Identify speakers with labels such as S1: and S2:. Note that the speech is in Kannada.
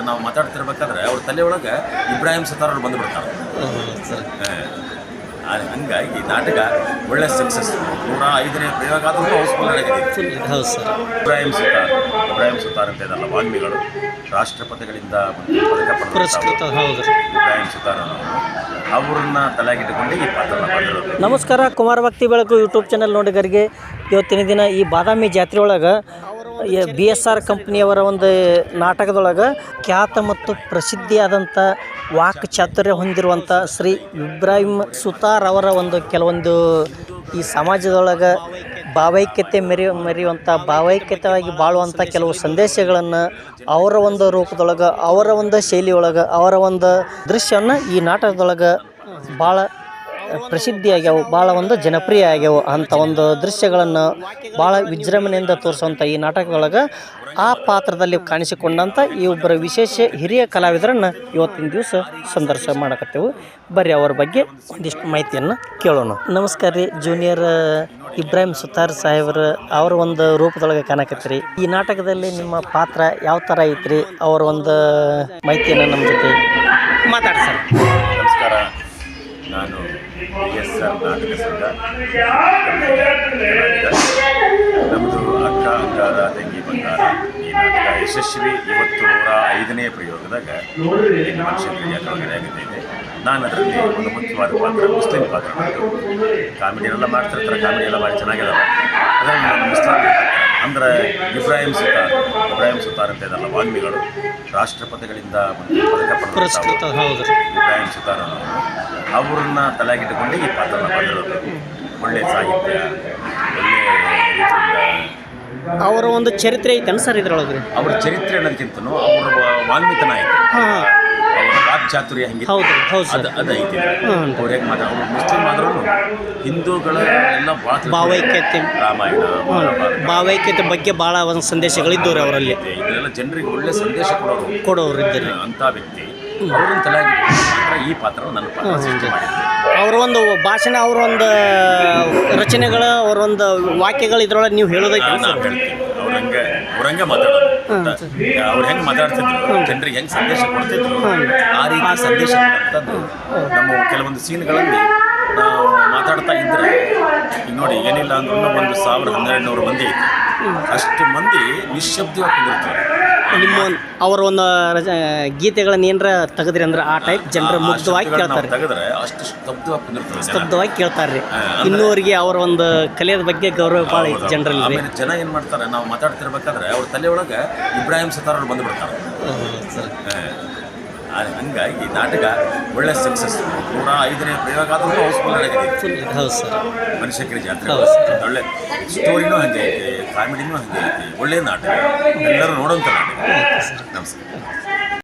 S1: ನಾವು ಮಾತಾಡ್ತಿರ್ಬೇಕಾದ್ರೆ ಅವ್ರ ತಲೆಯೊಳಗೆ ಇಬ್ರಾಹಿಂ ಸತಾರ್ ಅವ್ರು ಬಂದುಬಿಡ್ತಾರೆ. ಹಂಗಾಗಿ ನಾಟಕ ಒಳ್ಳೆ ಸಕ್ಸಸ್. 105ನೇ ಪ್ರಯೋಗ ಆದರೂ ಹೌಸ್ಫುಲ್ ಆಗಿದೆ.
S2: ಹೌದು ಸರ್.
S1: ಇಬ್ರಾಹಿಂ ಸುತಾರ್ ಅಂತ ಇದಲ್ಲ, ವಾಲ್ಮೀಗಳು ರಾಷ್ಟ್ರಪತಿಗಳಿಂದ ಪದಕ
S2: ಪುರಸ್ಕೃತ. ಹೌದು
S1: ಇಬ್ರಾಹಿಂ ಸುತಾರ್ ಅವ್ರನ್ನ ತಲೆಗಿಟ್ಟುಕೊಂಡು ಈ ಪಾತ್ರ ಮಾಡಿರೋದು.
S2: ನಮಸ್ಕಾರ, ಕುಮಾರ ಭಕ್ತಿ ಬೆಳಕು ಯೂಟ್ಯೂಬ್ ಚಾನಲ್ ನೋಡಿಗರಿಗೆ ಇವತ್ತಿನ ದಿನ ಈ ಬಾದಾಮಿ ಜಾತ್ರೆ ಒಳಗೆ BSR ಕಂಪ್ನಿಯವರ ಒಂದು ನಾಟಕದೊಳಗೆ ಖ್ಯಾತ ಮತ್ತು ಪ್ರಸಿದ್ಧಿಯಾದಂಥ ವಾಕ್ ಚಾತುರ್ಯ ಹೊಂದಿರುವಂಥ ಶ್ರೀ ಇಬ್ರಾಹಿಂ ಸುತಾರ್ ಅವರ ಒಂದು ಕೆಲವೊಂದು ಈ ಸಮಾಜದೊಳಗೆ ಭಾವೈಕ್ಯತೆ ಮೆರೆಯುವಂಥ ಭಾವೈಕ್ಯತೆಯಾಗಿ ಬಾಳುವಂಥ ಕೆಲವು ಸಂದೇಶಗಳನ್ನು ಅವರ ಒಂದು ರೂಪದೊಳಗೆ, ಅವರ ಒಂದು ಶೈಲಿಯೊಳಗೆ, ಅವರ ಒಂದು ದೃಶ್ಯವನ್ನು ಈ ನಾಟಕದೊಳಗೆ ಭಾಳ ಪ್ರಸಿದ್ಧಿಯಾಗ್ಯಾವು, ಭಾಳ ಒಂದು ಜನಪ್ರಿಯ ಆಗ್ಯಾವು. ಅಂಥ ಒಂದು ದೃಶ್ಯಗಳನ್ನು ಭಾಳ ವಿಜೃಂಭಣೆಯಿಂದ ತೋರಿಸುವಂಥ ಈ ನಾಟಕದೊಳಗೆ ಆ ಪಾತ್ರದಲ್ಲಿ ಕಾಣಿಸಿಕೊಂಡಂಥ ಈ ಒಬ್ಬರ ವಿಶೇಷ ಹಿರಿಯ ಕಲಾವಿದರನ್ನು ಇವತ್ತಿನ ದಿವಸ ಸಂದರ್ಶನ ಮಾಡಕತ್ತೇವೆ. ಬರ್ರಿ ಅವ್ರ ಬಗ್ಗೆ ಒಂದಿಷ್ಟು ಮಾಹಿತಿಯನ್ನು ಕೇಳೋಣ. ನಮಸ್ಕಾರ ರೀ, ಜೂನಿಯರ್ ಇಬ್ರಾಹಿಂ ಸುತಾರ್ ಸಾಹೇಬ್ರ ಅವ್ರ ಒಂದು ರೂಪದೊಳಗೆ ಕಾಣಕತ್ತೀರಿ. ಈ ನಾಟಕದಲ್ಲಿ ನಿಮ್ಮ ಪಾತ್ರ ಯಾವ ಥರ ಐತ್ರಿ? ಅವರ ಒಂದು ಮಾಹಿತಿಯನ್ನು ನಮ್ಮ ಜೊತೆ ಮಾತಾಡಿ ಸರ್.
S1: ನಮಸ್ಕಾರ, ನಾನು BSR ನಾಟಕ ಸಂಘ. ನಮ್ಮದು ಅಕ್ಕ ಅಂಗಾರ ತಂಗಿ ಬಂಗಾರ ಈ ನಾಟಕ ಯಶಸ್ವಿ. ಇವತ್ತು 105ನೇ ಪ್ರಯೋಗದಾಗ ಮನುಷ್ಯರಿಗೆ ಜಾತ್ರೆ ಆಗಿದೆ. ನಾನು ಅದರಲ್ಲಿ ಒಂದು ಮುಖ್ಯವಾದ ಪಾತ್ರ, ಮುಸ್ಲಿಂ ಪಾತ್ರ. ಕಾಮಿಡಿ ಎಲ್ಲ ಮಾಡ್ತಿರ್ತಾರೆ, ಕಾಮಿಡಿ ಎಲ್ಲ ಭಾರಿ ಚೆನ್ನಾಗಿದಾವೆ. ಅದರಲ್ಲಿ ನಾನು ಮುಸ್ಲಿಂ ಅಂದರೆ ಇಬ್ರಾಹಿಂ ಸುತಾರ್ ಅಂತ ಇದಲ್ಲ, ವಾಲ್ಮೀಗಳು ರಾಷ್ಟ್ರಪತಿಗಳಿಂದ ಪದಕ
S2: ಪುರಸ್ಕೃತ. ಹೌದು.
S1: ಇಬ್ರಾಹಿಂ ಸುತಾರ್ ಅವ್ರನ್ನ ತಲೆಗಿಟ್ಟುಕೊಂಡು ಈ ಪಾತ್ರ ಮಾಡಿರೋದು. ಒಳ್ಳೆಯ ಸಾಹಿತ್ಯ, ಒಳ್ಳೆಯ ರೀತಿಯಿಂದ
S2: ಅವರ ಒಂದು ಚರಿತ್ರೆ ಐತೆ ಸರ್ ಇದರೊಳಗೆ.
S1: ಅವ್ರ ಚರಿತ್ರೆ ಅನ್ನೋದಕ್ಕಿಂತನೂ ಅವ್ರ ವಾಲ್ಮೀತನ ಐತೆ, ಅವ್ರ ವಾಕ್ಚಾತುರ್ಯ ಹೆಂಗೆ ಅದು ಐತಿ. ಅವ್ರು ಹೇಗೆ ಅವ್ರು ಮುಸ್ಲಿಂ ಆದ್ರೂ ಹಿಂದೂಗಳ ಎಲ್ಲ
S2: ಭಾವೈಕ್ಯತೆ,
S1: ರಾಮಾಯಣ,
S2: ಭಾವೈಕ್ಯತೆ ಬಗ್ಗೆ ಭಾಳ ಒಂದು ಸಂದೇಶಗಳಿದ್ದವ್ರು ಅವರಲ್ಲಿ.
S1: ಇದೆಲ್ಲ ಜನರಿಗೆ ಒಳ್ಳೆ ಸಂದೇಶ
S2: ಕೊಡೋರು ಇದ್ದಾರೆ
S1: ಅಂಥ ವ್ಯಕ್ತಿ. ಅವ್ರನ್ನ ತಲೆಯಾಗಿ ಈ ಪಾತ್ರ ನನ್ನ ಪಾತ್ರ ಸೃಷ್ಟಿ ಮಾಡಿದ್ದೆ.
S2: ಅವರ ಒಂದು ಭಾಷಣ, ಅವರ ಒಂದು ರಚನೆಗಳು, ಅವರ ಒಂದು ವಾಕ್ಯಗಳು ಇದ್ರೊಳಗೆ ನೀವು ಹೇಳೋದಕ್ಕೆ
S1: ನಾವು ಹೇಳ್ತೀವಿ. ಅವ್ರಂಗೆ ಮಾತಾಡೋದು, ಅವ್ರು ಹೆಂಗೆ ಮಾತಾಡ್ತಿದ್ರು, ಜನರಿಗೆ ಹೆಂಗೆ ಸಂದೇಶ ಕೊಡ್ತಿದ್ರು, ಆ ರೀತಿ ಸಂದೇಶ ಕೊಡುವಂಥದ್ದು ನಮ್ಮ ಕೆಲವೊಂದು ಸೀನ್ಗಳಲ್ಲಿ ನಾವು ಮಾತಾಡ್ತಾ ಇದ್ದರೆ. ಈಗ ನೋಡಿ, ಏನಿಲ್ಲ ಅಂದ್ರೂ 1,000-1,200 ಮಂದಿ ಐತಿ. ಅಷ್ಟು ಮಂದಿ ನಿಶ್ಶಬ್ದವಾಗಿ ಕುಂದಿರ್ತಾರೆ.
S2: ನಿಮ್ಮ ಅವರ ಒಂದು ಗೀತೆಗಳನ್ನು ಏನರ ತೆಗೆದ್ರಿ ಅಂದ್ರೆ ಆ ಟೈಪ್ ಜನರು ಮುಗ್ಧವಾಗಿ ಕೇಳ್ತಾರೆ.
S1: ತೆಗೆದ್ರೆ ಅಷ್ಟು
S2: ಸ್ತಬ್ಧವಾಗಿ ಕೇಳ್ತಾರೆ ರೀ. ಇನ್ನೂವರೆಗೆ ಅವರ ಒಂದು ಕಲೆಯ ಬಗ್ಗೆ ಗೌರವ ಭಾಳ ಐತಿ ಜನರಲ್ಲಿ.
S1: ಆಮೇಲೆ ಜನ ಏನು ಮಾಡ್ತಾರೆ, ನಾವು ಮಾತಾಡ್ತಿರ್ಬೇಕಾದ್ರೆ ಅವ್ರ ತಲೆಯೊಳಗೆ ಇಬ್ರಾಹಿಂ ಸುತಾರ್ ಅವ್ರು ಬಂದುಬಿಡ್ತಾರೆ. ಹಂಗಾಗಿ ನಾಟಕ ಒಳ್ಳೆ ಸಕ್ಸಸ್. 105ನೇ ಪ್ರಯೋಗ ಆದರೂ ಹೌಸ್ಫುಲ್ ಆಗಿದೆ.
S2: ಹೌದು ಸರ್.
S1: ಮನುಷ್ಯಕರಿ ಜಾತ್ರೆ ಒಳ್ಳೆ ಸ್ಟೋರಿನೂ ಹಾಗೆ ಐತೆ, ಕಾಮಿಡಿನೂ ಹಾಗೆ ಐತಿ. ಒಳ್ಳೆಯ ನಾಟಕ, ಎಲ್ಲರೂ ನೋಡೋಂಥ ನಾಟಕ. ನಮಸ್ಕಾರ.